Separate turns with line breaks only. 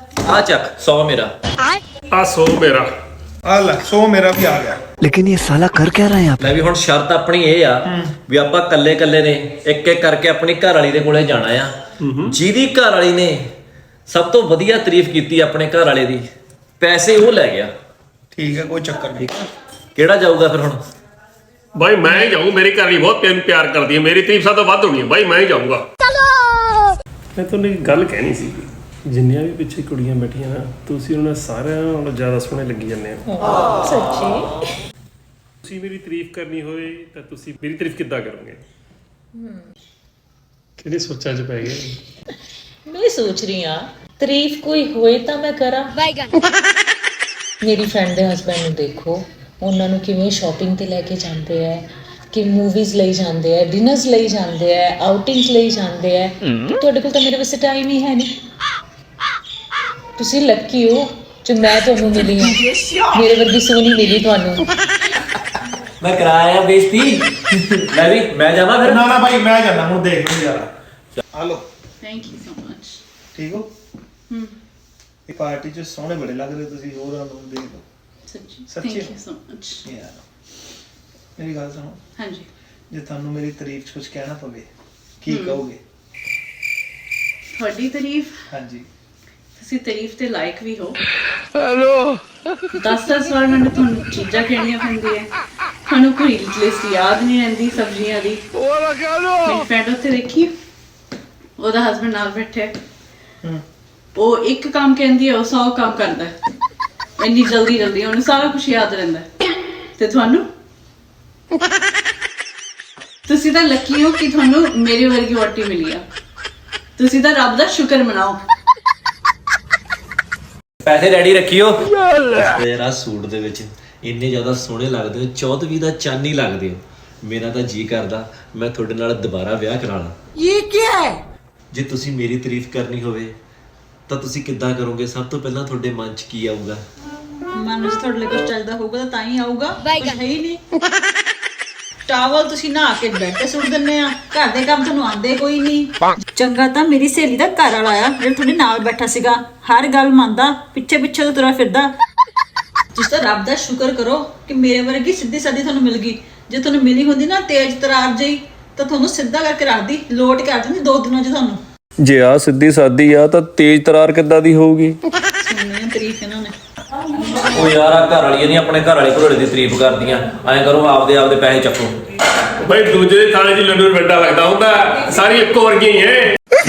ਆ ਚੱਕ 100 ਮੇਰਾ।
ਆ 100 ਮੇਰਾ।
ਆ ਲੈ 100 ਮੇਰਾ ਵੀ ਆ ਗਿਆ।
लेकिन ये साला कर क्या रहे हैं आप?
ਲੈ ਵੀ ਹੁਣ ਸ਼ਰਤ ਆਪਣੀ ਇਹ ਆ ਵੀ ਆਪਾਂ ਕੱਲੇ ਕੱਲੇ ਨੇ ਇੱਕ ਇੱਕ ਕਰਕੇ ਆਪਣੀ ਘਰ ਵਾਲੀ ਦੇ ਕੋਲੇ ਜਾਣਾ ਆ। ਜਿਹਦੀ ਘਰ ਵਾਲੀ ਨੇ ਸਭ ਤੋਂ ਵਧੀਆ ਤਾਰੀਫ ਕੀਤੀ ਆਪਣੇ ਘਰ ਵਾਲੇ ਦੀ, ਪੈਸੇ ਉਹ ਲੈ ਗਿਆ।
ਠੀਕ ਹੈ, ਕੋਈ ਚੱਕਰ ਨਹੀਂ।
ਕਿਹੜਾ ਜਾਊਗਾ ਫਿਰ ਹੁਣ?
ਬਾਈ ਮੈਂ ਹੀ ਜਾਊਂ, ਮੇਰੀ ਘਰ ਵਾਲੀ ਬਹੁਤ ਤੈਨੂੰ ਪਿਆਰ ਕਰਦੀ ਹੈ, ਮੇਰੀ ਤਾਰੀਫ ਸਭ ਤੋਂ ਵੱਧ ਹੋਣੀ ਹੈ ਬਾਈ, ਮੈਂ ਹੀ ਜਾਊਂਗਾ। ਮੈਂ ਤੁਹਾਨੂੰ ਇੱਕ ਗੱਲ ਕਹਿਣੀ ਸੀ, ਜਿੰਨੀਆਂ ਵੀ ਪਿੱਛੇ ਕੁੜੀਆਂ ਬੈਠੀਆਂ ਨਾ, ਤੁਸੀਂ ਉਹਨਾਂ ਸਾਰਿਆਂ ਨਾਲੋਂ ਜ਼ਿਆਦਾ ਸੋਹਣੇ ਲੱਗੀ ਜਾਂਦੇ ਹੋ।
ਸੱਚੀ?
ਤੁਸੀਂ ਮੇਰੀ ਤਾਰੀਫ ਕਰਨੀ ਹੋਵੇ ਤਾਂ ਤੁਸੀਂ ਮੇਰੀ ਤਾਰੀਫ ਕਿੱਦਾਂ ਕਰੋਗੇ? ਕਿਹੜੇ ਸੋਚਾਂ 'ਚ ਪੈ ਗਏ?
ਮੈਂ ਸੋਚ ਰਹੀ ਹਾਂ ਤਾਰੀਫ ਕੋਈ ਹੋਏ ਤਾਂ ਮੈਂ ਕਰਾਂ। ਮੇਰੀ ਫਰੈਂਡ ਦੇ ਹਸਬੈਂਡ ਨੂੰ ਦੇਖੋ, ਉਹਨਾਂ ਨੂੰ ਕਿਵੇਂ ਸ਼ਾਪਿੰਗ ਤੇ ਲੈ ਕੇ ਜਾਂਦੇ ਆ, ਕਿ ਮੂਵੀਜ਼ ਲਈ ਜਾਂਦੇ ਆ, ਡਿਨਰਸ ਲਈ ਜਾਂਦੇ ਆ, ਆਊਟਿੰਗਸ ਲਈ ਜਾਂਦੇ ਆ। ਤੁਹਾਡੇ ਕੋਲ ਤਾਂ ਮੇਰੇ ਵਾਸਤੇ ਟਾਈਮ ਹੀ ਹੈ ਨਹੀਂ। ਤੁਸੀਂ ਲੱਕੀ ਹੋ ਜੋ ਮੈਂ ਤੁਹਾਨੂੰ ਮਿਲੀ ਹਾਂ, ਮੇਰੇ ਵਰਗੀ ਸੋਹਣੀ ਮਿਲੀ ਤੁਹਾਨੂੰ।
ਮੈਂ ਕਰਾਇਆ ਬੇਇੱਜ਼ਤੀ। ਲੈ ਵੀ ਮੈਂ ਜਾਵਾਂ ਫਿਰ।
ਨਾ ਨਾ ਭਾਈ ਮੈਂ ਜਾਣਾ ਹੁਣ, ਦੇਖ ਲਓ ਯਾਰ। Hello,
thank you so much.
ਠੀਕ ਹੋ? ਇਹ ਪਾਰਟੀ 'ਚ ਸੋਹਣੇ ਬੜੇ ਲੱਗ ਰਹੇ ਤੁਸੀਂ, ਹੋਰ ਨੂੰ ਦੇਖ ਲਓ।
ਸੱਚੀ
ਸੱਚੀ?
Thank you so much.
ਯਾਰ ਮੇਰੀ ਗੱਲ ਸੁਣੋ,
ਹਾਂਜੀ।
ਜੇ ਤੁਹਾਨੂੰ ਮੇਰੀ ਤਾਰੀਫ 'ਚ ਕੁਝ ਕਹਿਣਾ ਪਵੇ ਕੀ ਕਹੋਗੇ?
ਤੁਹਾਡੀ ਤਾਰੀਫ?
ਹਾਂਜੀ।
ਤੁਸੀਂ ਤਾਰੀਫ ਤੇ ਲਾਇਕ ਵੀ ਹੋ। ਹੈਲੋ 10 ਵਾਰ ਮੈਨੂੰ ਤੁਹਾਨੂੰ ਚੀਜ਼ਾਂ ਕਹਿਣੀਆਂ ਪੈਂਦੀਆਂ, ਤੁਹਾਨੂੰ ਕੋਈ ਲਿਸਟ ਯਾਦ ਨਹੀਂ ਰਹਿੰਦੀ ਸਬਜ਼ੀਆਂ ਦੀ। ਮੇਰੀ ਫਰੈਂਡ ਉੱਥੇ ਦੇਖੀ, ਉਹਦਾ ਹਸਬੈਂਡ ਨਾਲ ਬੈਠੇ, ਉਹ ਇੱਕ ਕੰਮ ਕਹਿੰਦੀ ਹੈ, ਉਹ 100 ਕੰਮ ਕਰਦਾ ਹੈ। ਇੰਨੀ ਜਲਦੀ ਜਲਦੀ ਉਹਨੂੰ ਸਾਰਾ ਕੁਝ ਯਾਦ ਰਹਿੰਦਾ ਹੈ। ਤੇ ਤੁਹਾਨੂੰ, ਤੁਸੀਂ ਤਾਂ ਲੱਕੀ ਹੋ ਕਿ ਤੁਹਾਨੂੰ ਮੇਰੇ ਵਰਗੀ ਵੋਟੀ ਮਿਲੀ ਆ। ਤੁਸੀਂ ਤਾਂ ਰੱਬ ਦਾ ਸ਼ੁਕਰ ਮਨਾਓ।
ਪੈਸੇ ਰੈਡੀ ਰੱਖਿਓ। ਤੇਰਾ ਸੂਟ ਦੇ ਵਿੱਚ ਇੰਨੇ ਜ਼ਿਆਦਾ ਸੋਹਣੇ ਲੱਗਦੇ ਹੋ, 14ਵੀਂ ਦਾ ਚੰਨ ਹੀ ਲੱਗਦੇ ਹੋ। ਮੇਰਾ ਤਾਂ ਜੀ ਕਰਦਾ ਮੈਂ ਤੁਹਾਡੇ ਨਾਲ ਦੁਬਾਰਾ ਵਿਆਹ ਕਰਾ ਲਾਂ। ਇਹ ਕੀ ਹੈ? ਜੇ ਤੁਸੀਂ ਮੇਰੀ ਤਾਰੀਫ ਕਰਨੀ ਹੋਵੇ ਤਾਂ ਤੁਸੀਂ ਕਿੱਦਾਂ ਕਰੋਗੇ? ਸਭ ਤੋਂ ਪਹਿਲਾਂ ਤੁਹਾਡੇ ਮਨ 'ਚ ਕੀ ਆਊਗਾ?
ਮਨ ਵਿੱਚ ਤੁਹਾਡੇ ਲਈ ਕੁਝ ਚੱਲਦਾ ਹੋਊਗਾ ਤਾਂ ਹੀ ਆਊਗਾ, ਕੁਝ ਹੈ ਹੀ ਨਹੀਂ। ਟਾਵਲ ਤੁਸੀਂ ਨਹਾ ਕੇ ਬੈੱਡ ਤੇ ਸੁੱਟ ਦਿੰਦੇ ਆ, ਘਰ ਦੇ ਕੰਮ ਤੁਹਾਨੂੰ ਆਉਂਦੇ ਕੋਈ ਨਹੀਂ। ਚੰਗਾ ਤਾਂ ਮੇਰੀ ਸਹੇਲੀ ਦਾ ਘਰ ਵਾਲਾ ਆ ਜਿਹੜਾ ਤੁਹਾਡੇ ਨਾਲ ਬੈਠਾ ਸੀਗਾ, ਹਰ ਗੱਲ ਮੰਨਦਾ, ਪਿੱਛੇ ਪਿੱਛੇ ਤੋਂ ਤੁਰਿਆ ਫਿਰਦਾ। ਤੁਸੀਂ ਤਾਂ ਰੱਬ ਦਾ ਸ਼ੁਕਰ ਕਰੋ ਕਿ ਮੇਰੇ ਵਰਗੀ ਸਿੱਧੀ ਸਾਦੀ ਤੁਹਾਨੂੰ ਮਿਲ ਗਈ। ਜੇ ਤੁਹਾਨੂੰ ਮਿਲੀ ਹੁੰਦੀ ਨਾ ਤੇਜ਼ ਤਰਾਰ ਜਿਹੀ, ਤਾਂ ਤੁਹਾਨੂੰ ਸਿੱਧਾ ਕਰਕੇ ਰੱਖਦੀ, ਲੋਟ ਕਰ ਦਿੰਦੀ 2 ਦਿਨਾਂ 'ਚ ਤੁਹਾਨੂੰ।
ਜੇ ਆ ਸਿੱਧੀ ਸਾਦੀ ਆ ਤਾਂ ਤੇਜ਼ ਤਰਾਰ ਕਿੱਦਾਂ ਦੀ ਹੋਊਗੀ?
ਸੁਣਨੀ ਤਾਰੀਫ ਇਹਨਾਂ ਨੇ।
ਉਹ ਯਾਰ ਆ ਘਰ ਵਾਲੀਆਂ ਨਹੀਂ ਆਪਣੇ ਘਰ ਵਾਲੇ ਘੋੜੇ ਦੀ ਤਾਰੀਫ ਕਰਦੀਆਂ। ਐਂ ਕਰੋ ਆਪਦੇ ਪੈਸੇ ਚੱਕੋ।
ਬਾਈ ਦੂਜੇ ਦੇ ਥਾਣੇ 'ਚ ਲੱਡੂ ਵੱਡਾ ਲੱਗਦਾ ਹੁੰਦਾ, ਸਾਰੀ ਇੱਕੋ ਵਰਗੀਆਂ ਹੀ ਹੈ।